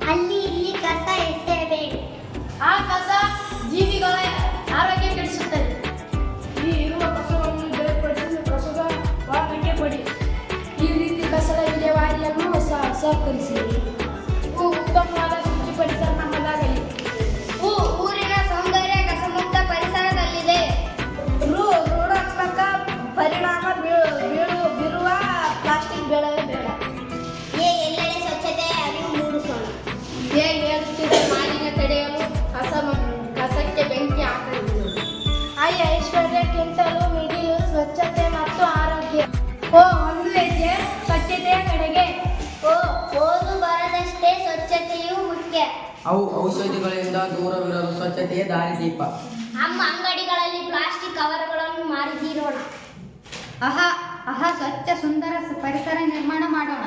ಅಲ್ಲಿ ಇಲ್ಲಿ ಕಸ ಎಸೆಯಬೇಡಿ. ಆ ಕಸ ಜೀವಿಗಳ ಆರೋಗ್ಯ ಕೆಡಿಸುತ್ತದೆ. ಈ ಇರುವ ಕಸವನ್ನು ಬೇರ್ಪಡಿಸಿ ಕಸದ ವಾಹನಕ್ಕೆ ಕೊಡಿ. ಈ ರೀತಿ ಕಸದ ವಿಲೇವಾರಿಯನ್ನು ಸಹಕರಿಸಿ. ಉತ್ತಮವಾದ ಶುಚಿ ಪರಿಸರ ನಮ್ಮದಾಗಲಿ. ಊರಿನ ಸೌಂದರ್ಯ ಕಸಮುಕ್ತ ಪರಿಸರದಲ್ಲಿದೆ. ಋಣಾತ್ಮಕ ಪರಿಣಾಮ ಬೀರುವ ಪ್ಲಾಸ್ಟಿಕ್ ಬೇಡವೇ ಬೇಡ. ಎಲ್ಲೆಡೆ ಸ್ವಚ್ಛತೆಯ ಅರಿವು ಮೂಡಿಸೋಣ. ಏರುತ್ತಿರುವ ಮಾಲಿನ್ಯ ತಡೆಯಲು ಕಸಕ್ಕೆ ಬೆಂಕಿ ಹಾಕಬಹುದು. ಐಶ್ವರ್ಯಕ್ಕಿಂತಲೂ ಮಿಗಿಲು ಸ್ವಚ್ಛತೆ ಮತ್ತು ಆರೋಗ್ಯ. ಒಂದು ಹೆಜ್ಜೆ ಸ್ವಚ್ಛತೆಯ ಕಡೆಗೆ. ಓದು ಬರದಷ್ಟೇ ಸ್ವಚ್ಛತೆಯೂ ಮುಖ್ಯ. ಅವು ಔಷಧಿಗಳಿಂದ ದೂರವಿರಲು ಸ್ವಚ್ಛತೆಯೇ ದಾರಿದೀಪ. ನಮ್ಮ ಅಂಗಡಿಗಳಲ್ಲಿ ಪ್ಲಾಸ್ಟಿಕ್ ಕವರ್ಗಳನ್ನು ಮಾರಿ ತೀರೋಣ. ಸ್ವಚ್ಛ ಸುಂದರ ಪರಿಸರ ನಿರ್ಮಾಣ ಮಾಡೋಣ.